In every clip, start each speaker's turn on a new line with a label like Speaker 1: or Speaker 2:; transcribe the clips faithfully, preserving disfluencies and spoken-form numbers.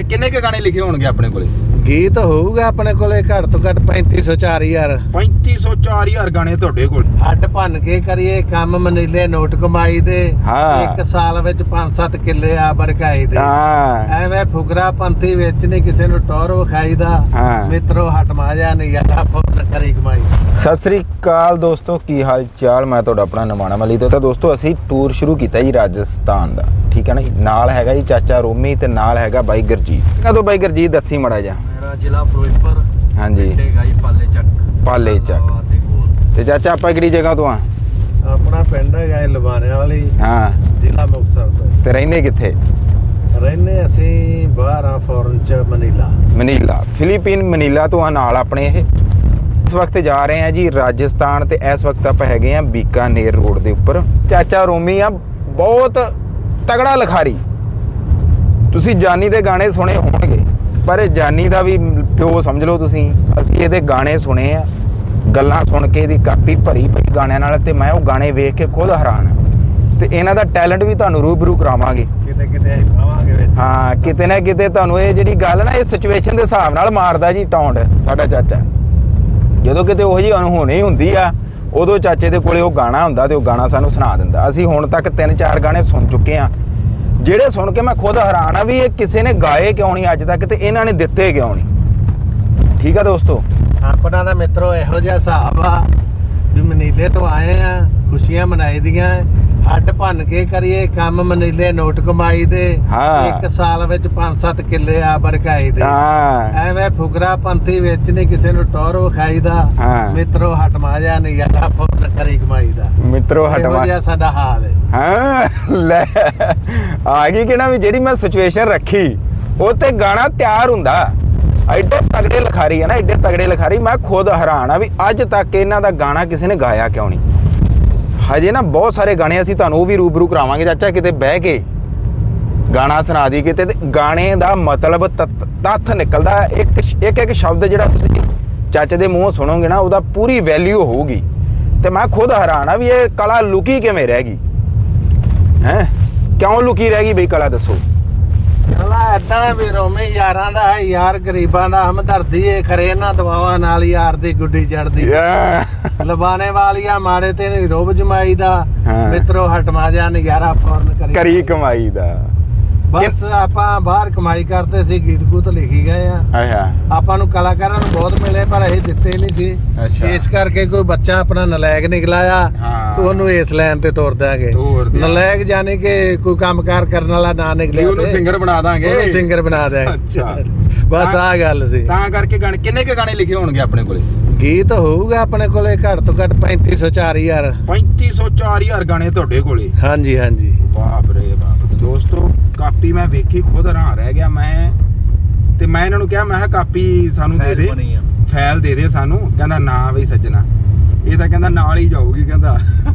Speaker 1: ਕਿੰਨੇ ਕੁ ਗਾਣੇ ਲਿਖੇ ਹੋਣਗੇ ਆਪਣੇ ਕੋਲੇ?
Speaker 2: ਗੀਤ ਹੋਊਗਾ ਆਪਣੇ ਕੋਲੇ ਘੱਟ ਤੋਂ ਘੱਟ ਪੈਂਤੀ ਸੌ ਚਾਰ ਹਜ਼ਾਰ
Speaker 1: ਪੈਂਤੀ ਸੌ ਚਾਰ ਹਜ਼ਾਰ ਗਾਣੇ ਤੁਹਾਡੇ ਕੋਲ।
Speaker 2: ਹੱਡ ਭੰਨ ਕੇ ਕਰੀਏ ਕੰਮ, ਮਨੀਲੇ ਨੋਟ ਕਮਾਈ ਦੇ।
Speaker 1: ਹਾਂ।
Speaker 2: ਇੱਕ ਸਾਲ ਵਿੱਚ ਪੰਜ ਸੱਤ ਕਿੱਲੇ ਆ ਬੜਕਾਈ ਦੇ।
Speaker 1: ਹਾਂ
Speaker 2: ਐਵੇਂ ਫੁਗਰਾ ਪੰਥੀ ਵਿੱਚ ਨਹੀਂ ਕਿਸੇ ਨੂੰ ਟੌਰ ਵਿਖਾਈ ਦਾ।
Speaker 1: ਹਾਂ।
Speaker 2: ਮਿੱਤਰੋ ਹਟਮਾ ਜਾ ਨਹੀਂ ਯਾਰਾ ਫੁੱਟ ਕਰੀ ਕਮਾਈ।
Speaker 1: ਸਤਿ ਸ੍ਰੀ ਅਕਾਲ ਦੋਸਤੋ, ਕੀ ਹਾਲ ਚਾਲ? ਮੈਂ ਤੁਹਾਡਾ ਆਪਣਾ ਨਮਾਣਾ ਮਲੀ ਤੋਂ। ਤਾਂ ਦੋਸਤੋ ਅਸੀਂ ਟੂਰ ਸ਼ੁਰੂ ਕੀਤਾ ਜੀ ਰਾਜਸਥਾਨ ਦਾ, ਠੀਕ ਹੈ ਨਾ ਜੀ। ਨਾਲ ਹੈਗਾ ਜੀ ਚਾਚਾ ਰੋਮੀ ਤੇ ਨਾਲ ਹੈਗਾ ਬਾਈ ਗੁਰਜੀਤ। ਕਦੋਂ ਬਾਈ ਗੁਰਜੀਤ ਦੱਸੀ ਮੜਾ ਜਾ।
Speaker 2: ਮੇਰਾ ਜ਼ਿਲ੍ਹਾ ਫਿਰੋਜ਼ਪੁਰ।
Speaker 1: ਹਾਂਜੀ
Speaker 2: ਗਾਈ ਪਾਲੇ ਚੱਕ।
Speaker 1: ਪਾਲੇ ਚੱਕ। ਤੇ ਚਾਚਾ ਆਪਾਂ ਕਿਹੜੀ ਜਗ੍ਹਾ ਤੋਂ ਆ?
Speaker 2: ਆਪਣਾ ਪਿੰਡ ਹੈਗਾ ਲਵਾਰਿਆਂ ਵਾਲੀ।
Speaker 1: ਹਾਂ।
Speaker 2: ਜ਼ਿਲ੍ਹਾ ਮੁਕਤਸਰ ਤੋਂ।
Speaker 1: ਤੇ ਰਹਿੰਦੇ ਕਿੱਥੇ?
Speaker 2: ਰਹਿੰਦੇ ਅਸੀਂ ਬਾਹਰ ਆ ਫੋਰਨ ਚ, ਮਨੀਲਾ।
Speaker 1: ਮਨੀਲਾ, ਫਿਲੀਪੀਨ ਮਨੀਲਾ ਤੋਂ ਆ ਨਾਲ ਆਪਣੇ। ਇਹ ਇਸ ਵਕਤ ਜਾ ਰਹੇ ਆ ਜੀ ਰਾਜਸਥਾਨ ਤੇ ਇਸ ਵਕਤ ਆਪਾਂ ਹੈਗੇ ਆ ਬੀਕਾਨੇਰ ਰੋਡ ਦੇ ਉੱਪਰ। ਚਾਚਾ ਰੋਮੀ ਆ ਬਹੁਤ ਤਗੜਾ ਲਿਖਾਰੀ। ਤੁਸੀਂ ਜਾਨੀ ਦੇ ਗਾਣੇ ਸੁਣੇ ਹੋਣਗੇ, ਪਰ ਜਾਨੀ ਦਾ ਵੀ ਪਿਓ ਸਮਝ ਲਓ ਤੁਸੀਂ। ਅਸੀਂ ਇਹਦੇ ਗਾਣੇ ਸੁਣੇ ਆ, ਗੱਲਾਂ ਸੁਣ ਕੇ ਇਹਦੀ ਕਾਪੀ ਭਰੀ ਪਈ ਗਾਣਿਆਂ ਨਾਲ, ਤੇ ਮੈਂ ਉਹ ਗਾਣੇ ਵੇਖ ਕੇ ਖੁਦ ਹੈਰਾਨ ਆ। ਤੇ ਇਹਨਾਂ ਦਾ ਟੈਲੈਂਟ ਵੀ ਤੁਹਾਨੂੰ ਰੂਬਰੂ ਕਰਾਵਾਂਗੇ
Speaker 2: ਕਿਤੇ ਕਿਤੇ ਪਾਵਾਂਗੇ ਵਿੱਚ।
Speaker 1: ਹਾਂ, ਕਿਤੇ ਨਾ ਕਿਤੇ ਤੁਹਾਨੂੰ ਇਹ ਜਿਹੜੀ ਗੱਲ ਨਾ, ਇਹ ਸਿਚੁਏਸ਼ਨ ਦੇ ਹਿਸਾਬ ਨਾਲ ਮਾਰਦਾ ਜੀ ਟੌਂਡ ਸਾਡਾ ਚਾਚਾ। ਜਦੋਂ ਕਿਤੇ ਉਹੋ ਜਿਹੀ ਅਣਹੋਣੀ ਹੁੰਦੀ ਆ, ਉਦੋਂ ਚਾਚੇ ਦੇ ਕੋਲੇ ਉਹ ਗਾਣਾ ਹੁੰਦਾ ਤੇ ਉਹ ਗਾਣਾ ਸਾਨੂੰ ਸੁਣਾ ਦਿੰਦਾ। ਅਸੀਂ ਹੁਣ ਤੱਕ ਤਿੰਨ ਚਾਰ ਗਾਣੇ ਸੁਣ ਚੁੱਕੇ ਆ, ਜਿਹੜੇ ਸੁਣ ਕੇ ਮੈਂ ਖੁਦ ਹੈਰਾਨ ਆ ਵੀ ਇਹ ਕਿਸੇ ਨੇ ਗਾਏ ਕਿਉਂ ਨਹੀਂ ਅੱਜ ਤੱਕ, ਤੇ ਇਹਨਾਂ ਨੇ ਦਿੱਤੇ ਕਿਉਂ ਨਹੀਂ। ਠੀਕ ਆ ਦੋਸਤੋ,
Speaker 2: ਆਪਣਾ ਦਾ ਮਿੱਤਰੋ ਇਹੋ ਜਿਹਾ ਹਿਸਾਬ ਆ ਵੀ ਮਨੀਲੇ ਤੋਂ ਆਏ ਆ, ਖੁਸ਼ੀਆਂ ਮਨਾਈ ਦੀਆਂ। ਹੱਡ ਭੰਨ ਕੇ ਕਰੀਏ ਕੰਮ, ਮਨੀਲੇ ਨੋਟ ਕਮਾਈ ਦੇ। ਇੱਕ ਸਾਲ ਵਿੱਚ ਪੰਜ ਸੱਤ ਕਿੱਲੇ ਆ ਬੜਕਾਈ ਦੇ। ਐਵੇਂ ਫੁਗਰਾ ਪੰਥੀ ਵਿੱਚ ਨਹੀਂ ਕਿਸੇ ਨੂੰ ਟੌਰ ਵਿਖਾਈ ਦਾ। ਮਿੱਤਰੋ ਹਟਮਾ ਜਾ ਨਹੀਂ ਯਾਰਾ ਫੁੱਟ ਕਰੀ ਕਮਾਈ ਦਾ। ਮਿੱਤਰੋ ਹਟਮਾ ਜਾ ਸਾਡਾ ਹਾਲ ਹੈ।
Speaker 1: ਹਾਂ ਲੈ ਆ ਗਈ ਕਿ ਨਾ ਵੀ ਜਿਹੜੀ ਮੈਂ ਸਿਚੁਏਸ਼ਨ ਰੱਖੀ ਉਹ ਤੇ ਗਾਣਾ ਤਿਆਰ ਹੁੰਦਾ। ਐਡੇ ਤਗੜੇ ਲਿਖਾਰੀ ਆ ਨਾ, ਐਡੇ ਤਗੜੇ ਲਿਖਾਰੀ। ਮੈਂ ਖੁਦ ਹੈਰਾਨ ਆ ਵੀ ਅੱਜ ਤੱਕ ਇਹਨਾਂ ਦਾ ਗਾਣਾ ਕਿਸੇ ਨੇ ਗਾਇਆ ਕਿਉਂ ਨਹੀਂ। ਹਜੇ ਨਾ ਬਹੁਤ ਸਾਰੇ ਗਾਣੇ ਅਸੀਂ ਤੁਹਾਨੂੰ ਉਹ ਵੀ ਰੂਬਰੂ ਕਰਾਵਾਂਗੇ ਚਾਚਾ, ਕਿਤੇ ਬਹਿ ਕੇ ਗਾਣਾ ਸੁਣਾ ਦੀ ਕਿਤੇ। ਤੇ ਗਾਣੇ ਦਾ ਮਤਲਬ ਤੱਥ ਨਿਕਲਦਾ। ਇੱਕ ਇੱਕ ਇੱਕ ਸ਼ਬਦ ਜਿਹੜਾ ਤੁਸੀਂ ਚਾਚੇ ਦੇ ਮੂੰਹੋਂ ਸੁਣੋਗੇ ਨਾ, ਉਹਦਾ ਪੂਰੀ ਵੈਲਿਊ ਹੋਊਗੀ। ਤੇ ਮੈਂ ਖੁਦ ਹੈਰਾਨ ਆ ਵੀ ਇਹ ਕਲਾ ਲੁਕੀ ਕਿਵੇਂ ਰਹਿ ਗਈ ਹੈ? ਕਿਉਂ ਲੁਕੀ ਰਹਿ ਗਈ ਬਈ ਕਲਾ, ਦੱਸੋ।
Speaker 2: ਕਲਾ ਏਦਾਂ ਵੀ ਰੋਮੀ ਯਾਰਾਂ ਦਾ ਹੈ, ਯਾਰ ਗਰੀਬਾਂ ਦਾ ਹਮਦਰਦੀ ਏ। ਖਰੇ ਇਹਨਾਂ ਦਵਾਵਾਂ ਨਾਲ ਯਾਰ ਦੀ ਗੁੱਡੀ ਚੜਦੀ। ਲਬਾਨੇ ਵਾਲੀਆਂ ਮਾੜੇ ਤੇ ਨਹੀਂ ਰੋਬ ਜਮਾਈ ਦਾ। ਮਿੱਤਰੋ ਹਟਮਾ ਜਾ ਨਜ਼ਾਰਾ ਫੌਰਨ ਕਰੀ
Speaker 1: ਕਰੀ ਕਮਾਈ ਦਾ।
Speaker 2: ਬਸ ਆਪਾਂ ਬਾਹਰ ਕਮਾਈ ਕਰਦੇ ਸੀ, ਗੀਤ ਗੂਤ ਲਿਖੀ ਗਏ ਆ। ਆਪਾਂ ਨੂੰ ਕਲਾਕਾਰਾਂ ਨੂੰ ਬਹੁਤ ਮਿਲੇ, ਪਰ ਅਸੀਂ ਦਿੱਤੇ ਨਹੀਂ ਸੀ। ਇਸ ਕਰਕੇ ਕੋਈ ਬੱਚਾ ਆਪਣਾ ਨਲਾਇਕ ਨਿਕਲਾਇਆ ਤੇ ਉਹਨੂੰ ਇਸ ਲਾਈਨ ਤੇ ਤੋਰ ਦਾਂਗੇ। ਨਲਾਇਕ ਜਾਨੀ ਕਿ ਕੋਈ ਕੰਮਕਾਰ ਕਰਨ ਵਾਲਾ ਨਾ ਨਿਕਲਿਆ,
Speaker 1: ਉਹਨੂੰ ਸਿੰਗਰ ਬਣਾ ਦਾਂਗੇ।
Speaker 2: ਉਹਨੂੰ ਸਿੰਗਰ ਬਣਾ ਦਾਂਗੇ। ਬਸ ਆਹ ਗੱਲ ਸੀ।
Speaker 1: ਤਾਂ ਕਰਕੇ ਗਾਣੇ ਕਿੰਨੇ ਕੁ ਗਾਣੇ ਲਿਖੇ ਹੋਣਗੇ ਆਪਣੇ ਕੋਲੇ?
Speaker 2: ਗੀਤ ਹੋਊਗਾ ਆਪਣੇ ਕੋਲੇ ਘੱਟ ਤੋਂ ਘੱਟ ਪੈਂਤੀ ਸੌ ਚਾਰ ਹਜ਼ਾਰ
Speaker 1: ਪੈਂਤੀ ਸੌ ਚਾਰ ਹਜ਼ਾਰ ਗਾਣੇ ਤੁਹਾਡੇ ਕੋਲੇ?
Speaker 2: ਹਾਂਜੀ ਹਾਂਜੀ।
Speaker 1: ਬਾਪ ਰੇ ਬਾਪ। ਦੋਸਤੋ ਕਾਪੀ ਮੈਂ ਵੇਖੀ ਖੁਦ ਹੈਰਾਨ ਰਹਿ ਗਿਆ ਮੈਂ। ਤੇ ਮੈਂ ਇਹਨਾਂ ਨੂੰ ਕਿਹਾ, ਮੈਂ ਕਿਹਾ ਕਾਪੀ ਸਾਨੂੰ ਦੇ ਦੇ, ਫਾਈਲ ਦੇ ਦੇ ਸਾਨੂੰ। ਕਹਿੰਦਾ ਨਾ ਬਈ ਸੱਜਣਾ, ਇਹ ਤਾਂ ਕਹਿੰਦਾ ਨਾਲ ਹੀ ਜਾਊਗੀ। ਕਹਿੰਦਾ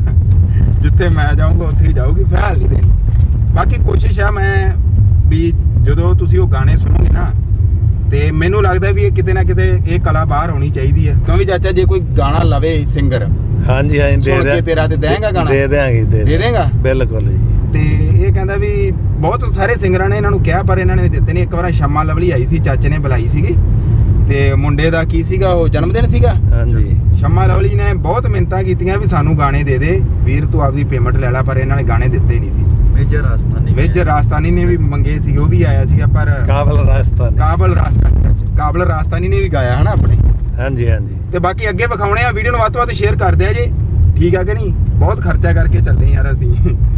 Speaker 1: ਜਿੱਥੇ ਮੈਂ ਜਾਊਂਗਾ ਉੱਥੇ ਹੀ ਜਾਊਗੀ, ਫਾਈਲ ਨਹੀਂ ਦੇਣੀ। ਬਾਕੀ ਕੋਸ਼ਿਸ਼ ਆ ਮੈਂ ਵੀ ਜਦੋਂ ਤੁਸੀਂ ਉਹ ਗਾਣੇ ਸੁਣੋਗੇ ਨਾ, ਤੇ ਮੈਨੂੰ ਲੱਗਦਾ ਵੀ ਇਹ ਕਿਤੇ ਨਾ ਕਿਤੇ ਇਹ ਕਲਾ ਬਾਹਰ ਹੋਣੀ ਚਾਹੀਦੀ ਹੈ। ਕਿਉਂਕਿ ਚਾਚਾ ਜੇ ਕੋਈ ਗਾਣਾ ਲਵੇ ਸਿੰਗਰ,
Speaker 2: ਹਾਂਜੀ ਹਾਂਜੀ, ਦੇ ਦੇ
Speaker 1: ਤੇਰਾ ਤੇ ਦੇਂਗਾ ਗਾਣਾ? ਦੇ
Speaker 2: ਦੇਾਂਗੇ। ਦੇ ਦੇਂਗਾ ਬਿਲਕੁਲ ਜੀ।
Speaker 1: ਤੇ ਇਹ ਕਹਿੰਦਾ ਵੀ ਬਹੁਤ ਸਾਰੇ ਸਿੰਗਰਾਂ ਨੇ ਇਹਨਾਂ ਨੂੰ ਕਿਹਾ, ਪਰ ਇਹਨਾਂ ਨੇ ਦਿੱਤੇ ਨਹੀਂ। ਇੱਕ ਵਾਰ ਸ਼ਮਾ ਲਵਲੀ ਆਈ ਸੀ, ਚਾਚੇ ਨੇ ਬੁਲਾਈ ਸੀਗੀ, ਤੇ ਮੁੰਡੇ ਦਾ ਕੀ ਸੀਗਾ ਉਹ ਜਨਮ ਦਿਨ ਸੀਗਾ।
Speaker 2: ਹਾਂਜੀ।
Speaker 1: ਸ਼ਮਾ ਲਵਲੀ ਨੇ ਬਹੁਤ ਮਿਹਨਤਾਂ ਕੀਤੀਆਂ ਵੀ ਸਾਨੂੰ ਗਾਣੇ ਦੇ ਦੇ ਵੀਰ, ਤੂੰ ਆਪਦੀ ਪੇਮੈਂਟ ਲੈ ਲੈ, ਪਰ ਇਹਨਾਂ ਨੇ ਗਾਣੇ ਦਿੱਤੇ ਨਹੀਂ ਸੀ।
Speaker 2: ਮੇਜਰ ਰਾਜਸਥਾਨੀ
Speaker 1: ਮੇਜਰ ਰਾਜਸਥਾਨੀ ਨੇ ਵੀ ਮੰਗੇ ਸੀ, ਉਹ ਵੀ ਆਇਆ ਸੀਗਾ। ਪਰ
Speaker 2: ਕਾਬਲ ਰਾਜਸਥਾਨੀ
Speaker 1: ਕਾਬਲ ਰਾਜਸਥਾਨੀ ਕਾਬਲ ਰਾਜਸਥਾਨੀ ਨੇ ਵੀ ਗਾਇਆ ਹਨਾ ਆਪਣੇ।
Speaker 2: ਹਾਂਜੀ ਹਾਂਜੀ।
Speaker 1: ਤੇ ਬਾਕੀ ਅੱਗੇ ਵਿਖਾਉਣੇ ਆ। ਵੀਡੀਓ ਨੂੰ ਵੱਧ ਤੋਂ ਵੱਧ ਸ਼ੇਅਰ ਕਰਦੇ ਆ ਜੀ, ਠੀਕ ਆ ਕਿ ਨਹੀਂ? ਬਹੁਤ ਖਰਚਾ ਕਰਕੇ ਚੱਲੇ ਯਾਰ ਅਸੀਂ।